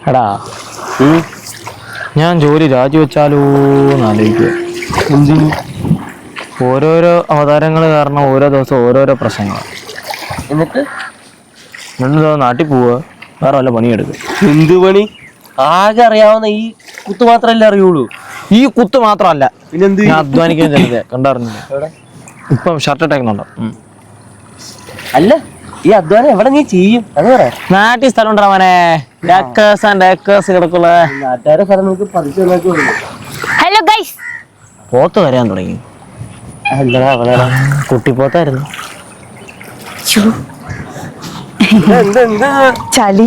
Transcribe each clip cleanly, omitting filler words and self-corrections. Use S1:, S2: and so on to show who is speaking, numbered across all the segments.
S1: എടാ ഞാൻ ജോലി രാജിവെച്ചാലോ എന്ന് ആലോചിക്കുക.
S2: എന്തിനു?
S1: ഓരോരോ അവതാരങ്ങൾ കാരണം ഓരോ ദിവസം ഓരോരോ പ്രശ്നങ്ങൾ.
S2: എന്നിട്ട്
S1: നാട്ടിൽ പോവുക, വേറെ വല്ല പണിയെടുക്കുക.
S2: എന്ത് പണി? ആകെ അറിയാവുന്ന ഈ കുത്ത് മാത്രല്ലേ അറിയുള്ളൂ.
S1: ഈ കുത്ത് മാത്രമല്ല,
S2: പിന്നെന്ത്?
S1: ഞാൻ അധ്വാനിക്കാൻ ചെറുതെ കണ്ടറിഞ്ഞില്ല. ഇപ്പം ഷർട്ട് ഇട്ടേക്കുന്നുണ്ടോ?
S2: അല്ല, ഈ അധ്വാനം എവിടെ നീ ചെയ്യും അത് പറ.
S1: നാട്ടിൽ സ്ഥലം ഉണ്ടോ മോനെ? ഡേക്കേഴ്സ് ആൻഡ് ഡേക്കേഴ്സ് കിടക്കുള്ള
S2: നാട്ടുകാരെ സ്ഥലം നമുക്ക് പറിച്ചു നോക്കി.
S3: ഹലോ ഗൈസ്,
S1: പോത്ത് വരാൻ തുടങ്ങി.
S2: എന്താ അവളാ
S1: കുട്ടിപ്പോത്തായിരുന്നു.
S3: ചളി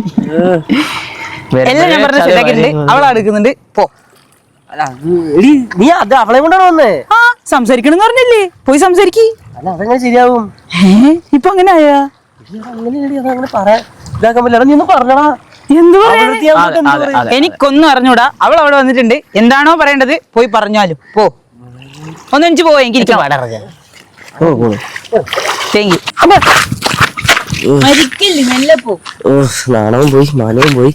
S3: എല്ലാം ഞാൻ പറഞ്ഞ ശരിയാക്കിയിട്ടുണ്ട്. അവളെ എടുക്കുന്നുണ്ട്. പോ.
S2: നീ അത് അവളെ കൊണ്ടാണ് വന്നേ?
S3: ആ സംസാരിക്കണം പറഞ്ഞില്ലേ, പോയി സംസാരിക്ക്.
S2: അല്ല അതെങ്ങനെ ശരിയാവും?
S3: ഇപ്പൊ അങ്ങനെ ആയാ?
S2: അങ്ങനെ പറയാൻ ഇതാക്കാൻ പറ്റില്ല. നീ ഒന്ന് പറഞ്ഞടാ.
S3: എന്ത് പറയാ? എനിക്കൊന്നും അറിഞ്ഞൂടാ. അവൾ അവിടെ വന്നിട്ടുണ്ട്. എന്താണോ പറയേണ്ടത് പോയി പറഞ്ഞാലും പോ. ഒന്ന് എനിക്ക് പോവാ. എനിക്ക് മരിക്കില്ലേ, മെല്ലെ പോ.
S2: നാണവും പോയി മാനവും പോയി.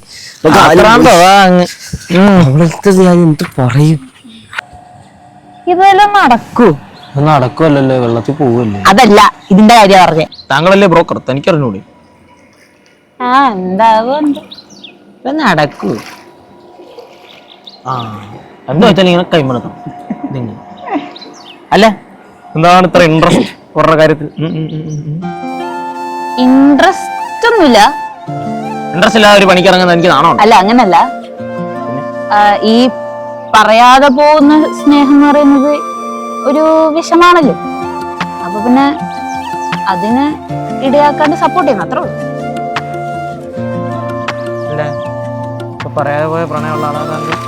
S2: എന്ത് പറയും?
S3: ഇതെല്ലാം നടക്കൂ?
S1: നടക്കുമല്ലോ, വെള്ളത്തിൽ പോവല്ലേ.
S3: അതല്ല ഇതിന്റെ കാര്യം പറഞ്ഞേ.
S1: താങ്കളല്ലേ ബ്രോക്കർ, തനിക്കറിഞ്ഞൂടെ?
S3: ആ എന്താകും
S1: നടക്കൂ. എന്താ വെച്ചാൽ ഇങ്ങനെ കൈമണക്കണം. അല്ല, എന്താണ് ഇത്ര ഇൻട്രസ്റ്റ് അവരുടെ കാര്യത്തിൽ?
S3: ഇൻട്രസ്റ്റ് ഒന്നുമില്ല.
S1: ഇൻട്രസ്റ്റ് ഇല്ലാതെ ഒരു പണിക്കിറങ്ങുന്നത് എനിക്ക് നാണോ?
S3: അല്ല അങ്ങനല്ല. ഈ പറയാതെ പോകുന്ന സ്നേഹം എന്ന് പറയുന്നത് ഒരു വിഷമാണല്ലോ. അപ്പൊ പിന്നെ അതിന് ഇടയാക്കാണ്ട് സപ്പോർട്ട് ചെയ്യുന്നു, അത്രേ ഉള്ളൂ.
S1: പറയാതെ പോയ പ്രണയമുള്ള ആളാണ്.